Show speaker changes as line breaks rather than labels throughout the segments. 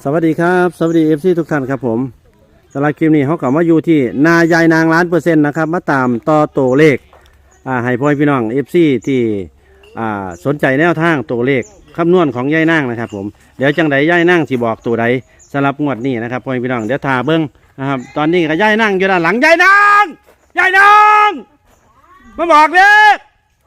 สวัสดีครับสวัสดีFCทุกท่านครับผมสำหรับคลิปนี้เขากลับมาอยู่ที่นายายนาง1,000,000%นะครับมาตามต่อตัวเลขให้พ่อพี่น้อง FC ที่สนใจแนวทางตัวเลขคำนวณของยายนางนะครับผมเดี๋ยวจังใดยายนางสิบอกตัวใดสำหรับงวดนี้นะครับพ่อพี่น้องเดี๋ยวทาเบิ้งนะครับตอนนี้ก็ยายนางอยู่ด้านหลังยายนางมาบอกเลข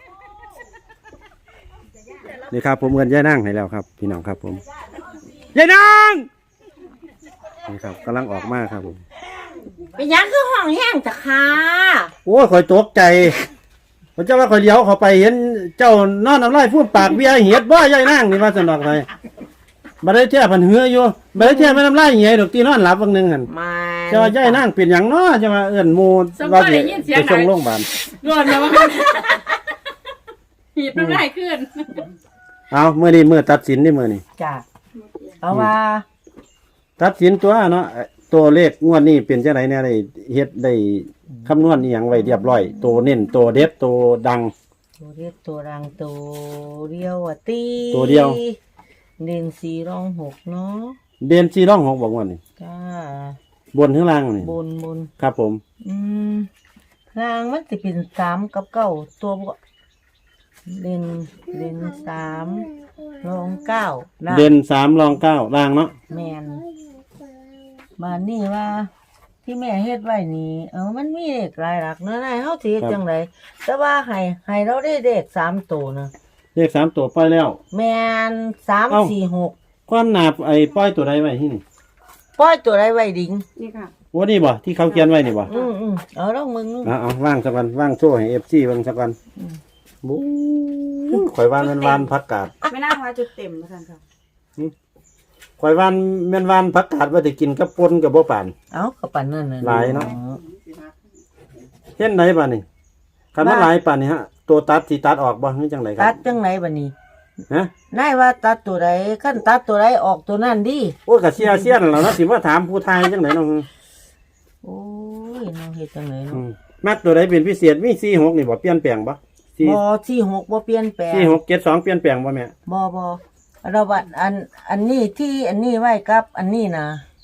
นี่ครับผมเงินยายนางให้แล้วครับพี่น้องครับผมยายนางนี่ครับกำลังออกมาครับผม
เป็นยังคือห้องแห้งจ้ะค่ะ
โอ้ยข่อยตกใจพระเจ้าว่าข่อยเลี้ยวเข้าไปเห็นเจ้านอนน้ำลายพูดปากเบี้ยเหียดบ่ยายนางนี่ว่าสนอกเลยบัดได้แท้พันเหืออยู่บัดได้แท้ไม่น้ำลายเหียดอกตีนอนหลับบางนึงหั่น
มา
เจ้าว่ายายนางเป็นหยังน้อจะมาเอิ้นหมู่ว่าสิไปส่งโรงพยาบาล
รวดแล้วหีบน้ำลายขึ้น
เอามื้อนี้มื้อตัดสินนี่มื้อนี้
จ้ะเอาว่า
ตัดสินตัวเนาะตัวเลขงวดนี้เป็นจังไดแน่ได้เฮ็ดได้คำนวณอีหยังไว้เรียบร้อยตัวเน้นตัวเด็ดตัวดัง
ตัวเรียกตัวรังตัวเดียวอ่ะตี
ตัวเดียว
เด่นสี่รองหกเนาะ
เด่น4ร้อง6บอกว่านี่
จ้า
บนข้างล่างนี่
บน
ครับผม
อืมรางมันจะเป็นสามกับเก้าตัวบ่เด่นสามรองเก้าล่าง
เด่น3รอง9ล่างเนาะ
แมนบ้านนี่ว่า ที่แม่เฮ็ดไว้นี่มันมีเลขหลายหลักเนาะนายเฮาสิเฮ็ดจังไดแต่ว่าให้เราได้เลข3ตัวนะ
เลข3ตัวปล่อยแล้ว
แม่น3 4 6
ความหนาไอ้ปล่อยตัวใดไว้ที่นี่
ปล่อยตัวใดไว้ดิ่ง
นี่ค่ะ
โอ้นี่บ่ที่เขาเขียนไว้นี่บ่
เอาลองมึง
เอาว่างสักวันว่างโซ่ให้ FC เบิ่งสักวันบู๊ข่อยว่านแม่นวานผักกาด
ไม่น่าพาจุดเต็มแล้วกันค่ะ
ข่อยว่านแม่นวานผักกาดว่าสิกินกับป่นกับบ่ปาน
เอาก็ปานนั้นน่ะ
หลายเนาะ เฮ็ดไหนบัดนี้คันมันหลายปานนี้ฮะตัวตัดสิตัดออกบ่คือจังไดค
ตั
รั
ด
บ
จังไหนบัดนี้
ฮะ
นายว่าตัดตัวใดคันตัดตัวใดออกตัวนั้นดิ
โอ้ยก็เสียนแล้วเนาะสิมาถามผู้ทายจังไดเนาะ
โอ้ยน้องเฮ็ดจังไหน
อื
เนาะ
มมักตัวใดเป็นพิเศษมี46นี่บ่เปลี่ยนแปลงบ่
บ่ที่6บ่เปลี่ยนแปลง
46 72เปลี่ยนแปลงบ่แม่
บ่เราบัดอันนี้ที่อันนี้ไว้กับอันนี้นะ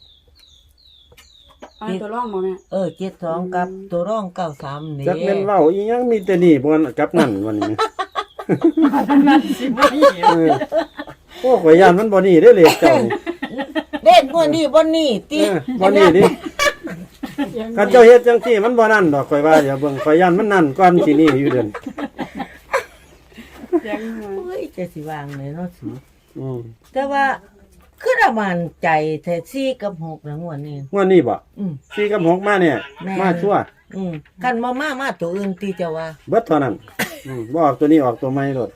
เอาตัวร่องมาแม่
72กับตัวร่อง93นี่
จักแม่นเว้าอีหยังมีแต่นี่บ่กับนั่นวันนี้
นั่นสิบ่หีบ
เออโอ้ข่อยย่านมันบ่นี่เด้อเลขเจ้านี่
เด็กบ่นี่บ่นี่ติ
เออบ่นี่ดิคันเจ้าเฮ็ดจังซี่มันบ่นั่นดอกข่อยว่าเดี๋ยวเบิ่งข่อยย่านมันนั่นก่อนสินี่อยู่เดือน
ยังมา
โอ้ยจะสิวางเลยเนาะสิ
อืม
แต่ว่าคือระมันใจแท้4กับ6นะงวดนี้
งวดนี้บ่
อืม
4กับ6มาเนี่ย
แม่
มาชั่ว
กันมาตัวอื่นติเจ้าว่า
เบิดเท่านั้นบ่ออกตัวนี้ออกตัวใหม่โลด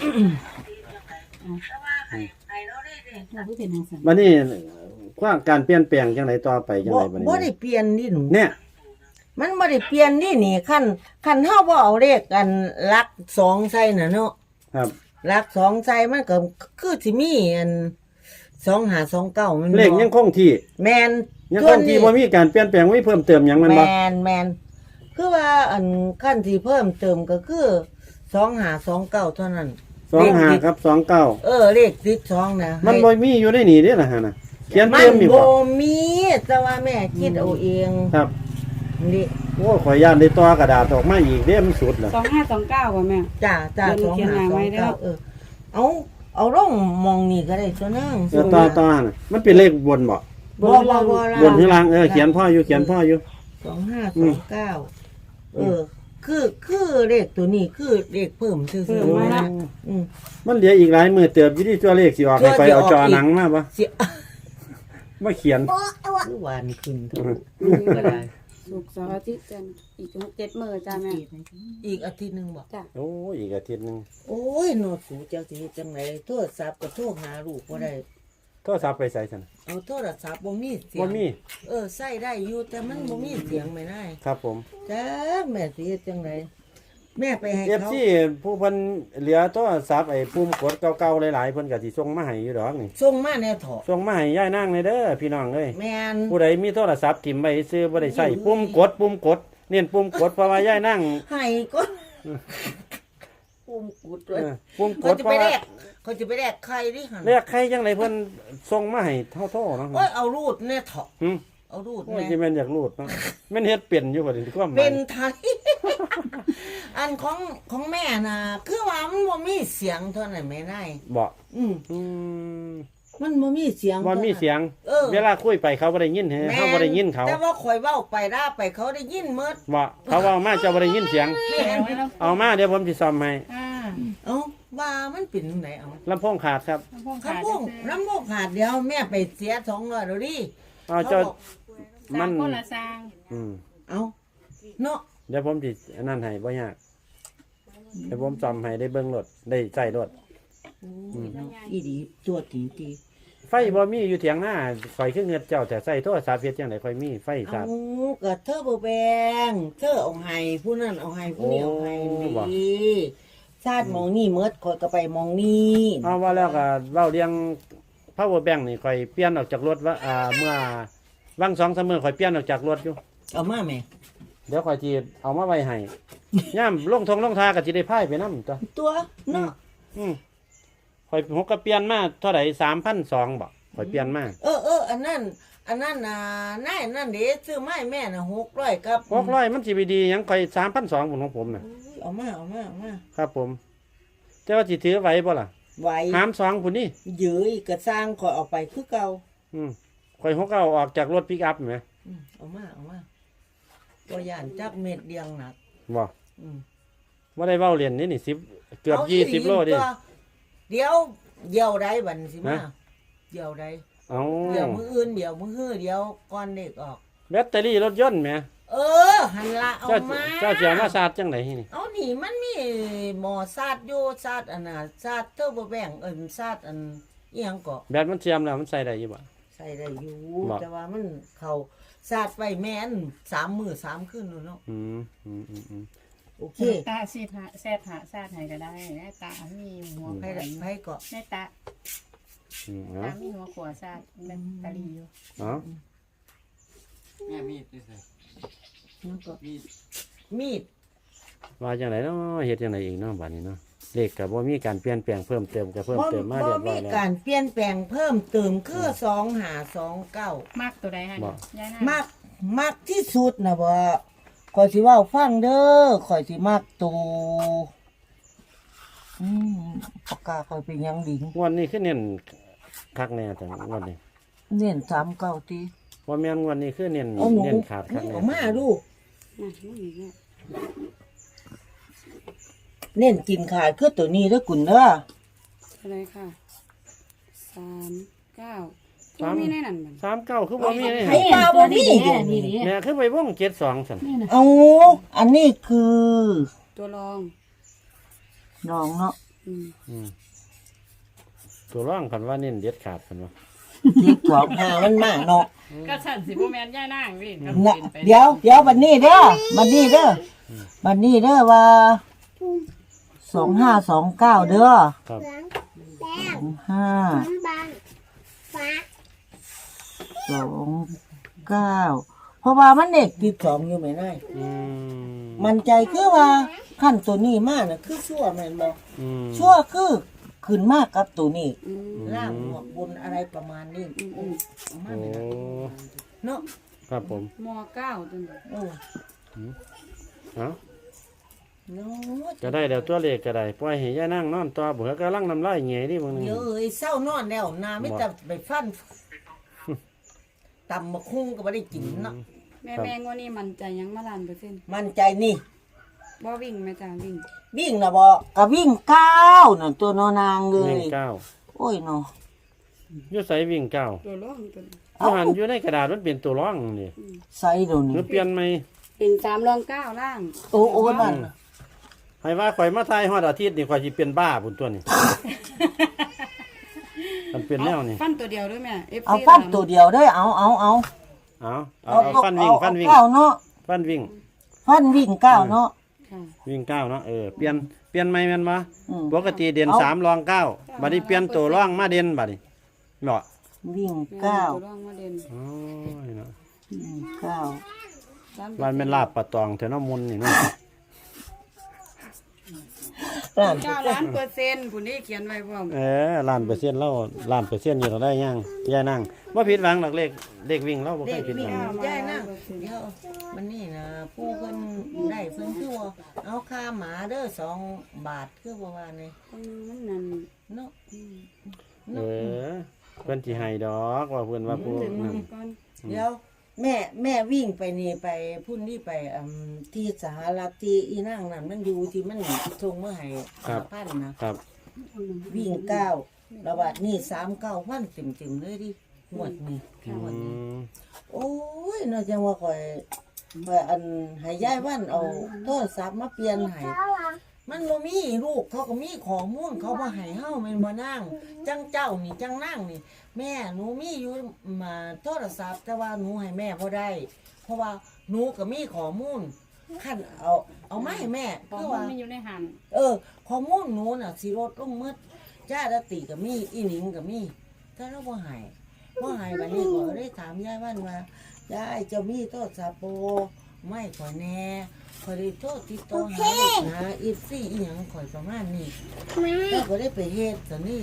เราผู้เป็นทางสัน
บัดนี้ความการเปลี่ยนแปลงจังไดต่อไปจัง
บ่
ไดบัดนี้
บ่ได้เปลี่ยนนี่หนู
เนี่ย
มันบ่ได้เปลี่ยนนี่คันเฮาบ่เอาเลขกันหลัก2ใส่น่ะเนาะ
ครับ
หลัก2ใส่มันก็คือสิมีอัน2529มันบ่
เลขยังคงที่
แม่น
ยังคงที่บ่มีการเปลี่ยนแปลงบ่มีเพิ่มเติมหยังแม่นบ่
แมนคือว่าอันขั้นที่เพิ่มเติมก็คือ2529เท่านั้น
25กับ29
เลขติด2นะ
มันบ่มีอยู่ในนี่เด้ล่ะฮะน่ะเขียน
มั
เติ
น
มนี่
บ่
บ่
มีแต่ว่าแม่คิดเอาเอง
ครับ
นี่
โอ้ข่อยย่านได้ต่อกระดาษออกมาอีกเด้มันสุดแล้ว
2529ป่ะแม่
จ้า
เดี๋ยวหนูเขียนหน้าไว้เด้อ
2529เอาลงมองนี่ก็ได้ตัวนึง
ต่อน่ะมันเป็นเลขบนบ่
บ่
บนข้างล่างเขียนพ่ออยู่
2529คือเลขตัวนี้คือเลขเพิ่มซื่อๆนะอืม
มันเหลืออีกหลายมื้อเติบอยู่ที่ตัวเลขสิออกให้ไปเอาจอหนังมาบ่
สิ
มาเขียน
คือหวานขึ้นเถอะ ก็ได้
สุกร์เสาร์อาทิตย์จันทร์อีก7 มื้อจ้าแม่
อีกอาทิตย์หนึงบ่
จ้ะ
โอ้ยอีกอาทิตย์หนึง
โอ้ยโนดสูจังสิเฮ็ดจังไดโทรศัพท์ก็โทรหาลูกบ่ได้
โทรศัพท์ไปใส่ซั่น
เอาโทรศัพท์บ่มีเสีย
บ่
ง
มี
ใส่ได้อยู่แต่มันบ่มีเสียงไม่ได้
ครับผม
จ้าแม่สิเฮ็ดจังไดแม่ไปให้
เอฟ
เขา
ซีผู้เพิ่นเหลือโทรศัพท์ไอ้ปุ่มกดเก่าๆหลายๆเพิ่นก็สิส่งมาให้อยู่ดอกนี่
ส่งมาแน่เถาะ
ส่งมาให้ยายนางเลยเด้อพี่น้องเอ้ย
แม่น
ผู้ใดมีโทรศัพท์ถิ่มไว้ซื้อบ่ได้ใช้ปุ่มกดเน้นปุ่มกดเพราะว่ายายนาง
ให้ก็
โอ้
ปุ่มกุดด้วย
ปุ่มก
เขา
ด
จะ
เพ
ไป
ราะ
แล
ว่าก
เขาจะไปแลกใครดิหัน
เรียกใครจังไดเพิ่นส่งมาให้เท่าๆเนาะ
โอ้ยเอารูดเนี่ยเถอะ
หึ
เอารูด
โอ้ย
แน่
สิแม่นอยากรูดเนาะแม่นเฮ็ดเป็นอยู่บ่ดิความหมาย
เป็นไทย อันของแม่น่ะคือว่ามันบ่มีเสียงเท่านั้นแม่นาย
บ่
อืม
อืม
มันบ่มีเสียง
บ่มีเสียง
เออ
เวลาคุยไปเขาบ่ได้ยินเฮาบ่ได้ยินเขา
แต่ว่าข่อยเว้าไปด่าไปเขาได้ยินหมด
บ่เขาเว้ามาเจ้าบ่ได้ยินเสียง
แม่น
เอามาเดี๋ยวผมสิซ่อมให้
เอ้าว่ามันเป็นจังไดเอา
ลำโพงขาดครับ
ข้าวโพดน้ำโมกขาดเดียวแม่ไปเสีย200แล้วดิ
เอาเจ้า
บอก
มัน
คนละสร้าง
อืม
เอาเนาะ
เดี๋ยวผมสิอันนั้นให้บ่ยากเดี๋ยวผมซ่อมให้ได้เบิ่งรถได้ใช้รถ
อีดีตัวตีตี
ไฟบ่มีอยู่เถียงหน้าข่อยคือเงือดเจ้าแต่ใส่โทรศัพท์เฮ็ดจังได๋ข่อยมีไฟ
เอา
สาด
ก็เธอบ่แบงเธอเอาให้ผู้นั้นเอาให้ผู้นี้เอาให้
โอ้บ่
ดีชาติมองนี่เมิดข่อยก็ไปมองนี่
เอาว่าแล้วก็เว้าเรื่อง power bank นี่ข่อยเปลี่ยนออกจากรถว่าเมื่อวัง2-3มื้อข่อยเปลี่ยนออกจากรถอยู่
เอามาแม่
เดี๋ยวข่อยสิเอามาไว้ให้ย่ามลงทาก็สิได้พายไปนำจ้ะ
ตัวเนาะ
ข่อยหกก็เปลี่ยนมาเท่าใด3,200บ่ข่อยเปลี่ยนมา
อันนั้นน่ะนายนั่นเด้ซื้อไม้แม่น่ะ600กับ
600มันสิไปดีหยังข่อย3,200พุ่นของผมน่ะ
เอามา
ครับผมแต่ว่าสิถือไหว้บ่ล่ะ
ไหว
หาม2พุ่นนี่
ยื้อก็สร้างข่อยเอาไปคือเก่า
ข่อยหกเอาออกจากรถปิกอัพแหม
เอามาตัวย่านจักเม็ดเดียงหนัก
บ่
อืม
บ่ได้เว้าเรียนนี่10เกือบ
าอีห
20โลดิ
ตัวเดี๋ยวใดบัดสิมา
ฮะ
เดี๋ยวใด
เอา
เดี๋ยวมื้ออื่นเดี๋ยวมื้อฮื้อเดี๋ยวก่อนเด็กออก
แบตเตอรี่รถยนต์แหม
หันละเอา
เจ้า
มา
เจ้าสิเอามาสาดจังไดนี่
เอานี่มันมีหมอซาดอยู่ซาดอันน่ะซาดเทอร์โบแบงซาดอันอีหยังก็
แบตมันเทียมแล้วมันใส่ได้อยู่บ่
ใส่ได้อยู่
บ่
แต่ว่ามันเข้าซาดไปแม่น3 มื้อ3คืนนู่นเนาะ
อืม
โอเค
ตาซีหาแซดหาซาดให้ก็ได้แม่ตามีหัว
ไผ
ขวา
ไผก็
แม่ตา
เอา
ตามีหัวขวาซาดแม่ตาลีอยู่
เอา
แม่มีดนี่สิ
นั่นก็
มีด
มีด
ว่าจังไดเนาะเฮ็ดจังไดอีกเนาะบัดนี้เนาะเลขก็บ่มีการเปลี่ยนแปลงเพิ่มเติมก็เพิ่มเติมมาเรียบร้อย
มี
แล้ว
การเปลี่ยนแปลงเพิ่มเติมคือ2529
มากตัวใดฮะ
บ่
ยายหน้
มักที่สุดนะบ่ข่อยสิเว้าฟังเด้อข่อยสิมักตัวปากกาข่อยเป็นหยังดิง
งวดนี้คือเน้นคักแน่แต่งวดนี้
เน้น39ติ
บ่แม่นงวดนี้คือเน้น
เอาหนู
เน้นขาดคักแน่
เอามาดู
น่ะมันอีกแล้ว
เน้นกินขาดคือตัวนี้เด้อกุนเด้อ
อะไรค่ะ39ตัวมีในนั้นมัน
39คือบ่มีเลย
ให้ปลาบ่มี
แม่คือไปวง72ซั่น
เอาอันนี้คือ
ตัวรอง
น้องเนาะ
อืม
ตัวร่องคันว่าเน้นเด็ดขาดคันว่า
ที่สองหามันมาเนาะ
ก็สั่นสิบ่แม่นยายนางนี่ก็
น่ะ
เป็นไป
เดี๋ยวบัดนี้เด้อบัดนี้เด้อว่า2529เด้อ
ครับ
2529เพราะว่ามันเด็ก12อยู่แม่นาย
อืม
มันใจคือว่าขั้นตัวนี้มาน่ะคือชั่วแม่นบ่
อืม
ชั่วคือขึ้นมากกับตัวนี้
อืม
ล่างหัวบนอะไรประมาณนี้
อืม
เอามา
โอ้
แม่นายเนาะ
ครับผม
ม9ตัวนี้
โอ้
เอ้า
เนาะ
ก็ได้แล้วตัวเลขก็ได้ปล่อยให้ย่านั่งนอนต่อบ่กำลังน้ำลายแหง่ดิบางนึง
เดี๋ยวเศร้านอนแล้วนาไม่แต่ไปฟันตำมะคุ้งก็ไม่ได้กินเนาะ
แม่งวันนี้มันใจยังมาล้าน%
มันใจนี่
บ่วิ่งแม่จ้าวิ่ง
วิ่งนะบอกก็วิ่ง9น่ะตัวนอนางเล
วิ่
ย
งเก้า
โอ้ยเนาะ
อยู่ไสวิ่งเก้า
ตัวรองตัวนี้
อยู่หันอยู่ในกระดาษมันเป็นตัวร่องนี่
ใส่เดี๋ยว
ห
นี้
รือเปลี่ยนไหม
เป็น3รอง9ล่าง
โอ้นั่นน่ะ
ให้ว่าข่อยมาทายฮอดอาทิตย์นี่ข่อยสิเป็นบ้าพุ่นตัวนี่ มันเป็นแนวนี่
ฟันตัวเดียวด้วยแม่ FC
เอาฟันตัวเดียวเด้อเอา
เอาฟันวิ่งฟันวิ่ง
เก้าเนาะ
ฟันวิ่ง
ฟันวิ่งเก้าเนาะ
ค่ะ
วิ่งเก้าเนาะเปลี่ยนไหมแม่นบ่
อืม
ปกติเด่น3รอง9บัดนี้เปลี่ยนตัวร่องมาเด่นบัดนี้เนาะ
วิ่ง
แม่
เก้า
ตัวรองมาเด่น
โอ้ยเนาะ
วิ่งเก้า
วันเป็นลาบปลาตองแถวน้ำมุนนี่เนาะ
ล้าน
9,000,000%ผู้นี้เขียนไว้พร้อม
ล้านเปอร์เซ็นต์เราล้านเปอร์เซ็นต์นี่เราได้ยังยายนั่งบ่ผิดหวังหรอกเลขวิ่งเราบ่เค
เด็
ย
ก
ผิดห
วิ่
วั
ง
ง
ย่ายนะเดี๋ยวมันนี่นะผู้เพิ่นได้เพิ่นคือว่าเอาค่าหมาเด้อ2 บาทคือบ่ว่านี่
มันนั่น
เนาะ
เเพิ่นสิให้ดอกว่าเพิ่นว่าผู้
ถึง
นั่น
ก่อน
เดี๋ยวแม่วิ่งไปนี่ไปพุ่นนี่ไปที่สหรัฐที่อีนางนั่นมันอยู่ที่มันส่งมาให้5,000นะครับ วิ่ง9ระบาดนี่39,000เต็มๆเลยดิงวดนี้
อื
งวดนี้
ม
โอ้ยน่าจะว่าข่อยอันให้ยายวันเอาโทรศัพท์มาเปลี่ยนให้มันบ่มีลูกเขาก็มีข้อมูลเขาบ่ให้เฮาแม่นบ่นางจังเจ้านี่จังนางนี่ แม่หนูมีอยู่มาโทรศัพท์แต่ว่าหนูให้แม่บ่ได้ เพราะว่าหนูก็มีข้อมูลคันเอามาให้แม่
พอ
คือ
มั
ว่า
นไม่อยู่ในหัน
ข้อมูลหนูน่ะสิลดลงหมดจ้าดติก็มีอีหนิงก็มีแต่เราบ่ให้บัดนี้ก็ได้ถามยายวันว่ายายเจ้ามีโทรศัพท์บ่ไม่ข่อยแน่ข่อยได้โทรติดต่อหาอีซี่อีหยังข่อยประมาณนี้แล้วก็ได้ไปเฮ็ดตอนนี้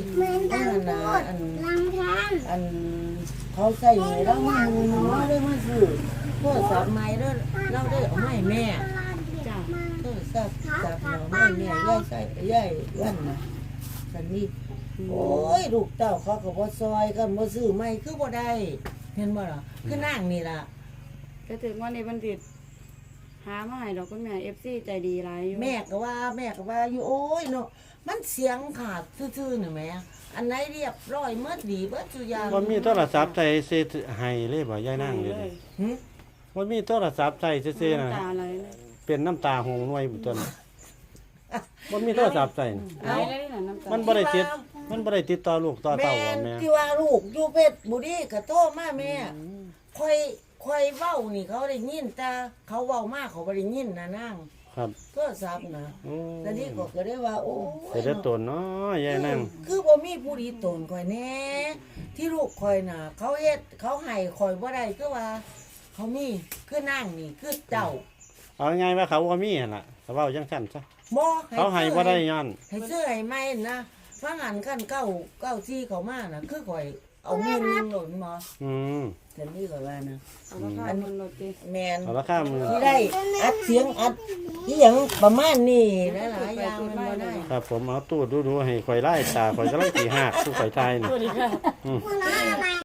อันเขาใส่ให้เรามาหนูได้มาซื้อโทรศัพท์ใหม่แล้วเราได้เอามาให้แม่
จ้า
โทรศัพท์จับเราไม่แม่ย่ายใส่ย่ายวันนะสันนี่โอ้ยลูกเต้าเขาก็บ่ซอยกันบ่ซื้อไม่คือบ่ได้เห็นบ่ล่ะคือนั่งนี่ล่ะ
ก็ถึงว่าในบันทิตหามาให้ดอกคุณแม่ FC ใจดีหลายอยู่
แม่ก็ว่าอยู่โอ้ยเนาะมันเสียงขาดซื่อๆนี่แหม่อันไหนเรียบร้อยเมื่อดีเบิดทุกอย่าง
บ่มีโทรศัพท์ใส่สิให้เลยบ่ยายนั่งเลย
หึ
บ่มีโทรศัพท์ใส่ซื่อๆน่ะ
น้ำตาไหลเลย
เป็นน้ำตาหงหน่วยต้นบ่มีโทรศัพท์ใส่น่ะ
ไหลเลยน่ะน้ำตา
มันบ่ได้ติดต่อลูกต่อ
แม่
เต้าบ่แม่
ที่ว่าลูกอยู่เพชรบุรีก็โทรมาแม่ค่อยเว้านี่เขาได้ยินแต่เขาเว้ามาเขาบ่ได้ยินนะนาง
ครับ
โทรศัพท์นะ
โอ้
ตอนนี้ก็ได้ว่าโอ้ย
เสด็จตนเนาะยายนั่ง
คือบ่มีผู้ดีตนข่อยแน่ที่ลูกข่อยน่ะ เขาเฮ็ดเขาให้ข่อยบ่ได้คือว่า เขามีคือนั่งนี่คือเจ้า
เอาไงว่าเขาบ่มีหั่นล่ะเขาเว้าจังซั่นซะ
บ่
เขาให้บ่ได้ย้อน
ให้ซื้อให้ใหม่นะฟังอันคันเก้าที่เขามาน่ะคือข่อยเอามีนหล่นมา
อืม
แต่นี่ข่อยว่านะ
เอาราคามันลดดิ
แมน
เอาราคามือ
ที่ได้อัดเสียงอัดอีหยังประมาณนี้หลายๆอย่างมันบ่ได้
ครับผมเอาตู้ดูๆให้ข่อยไล่ตาข่อยกำลังสิหักผู้ข่อยทายนี่
สวัสดีค่ะ
อืม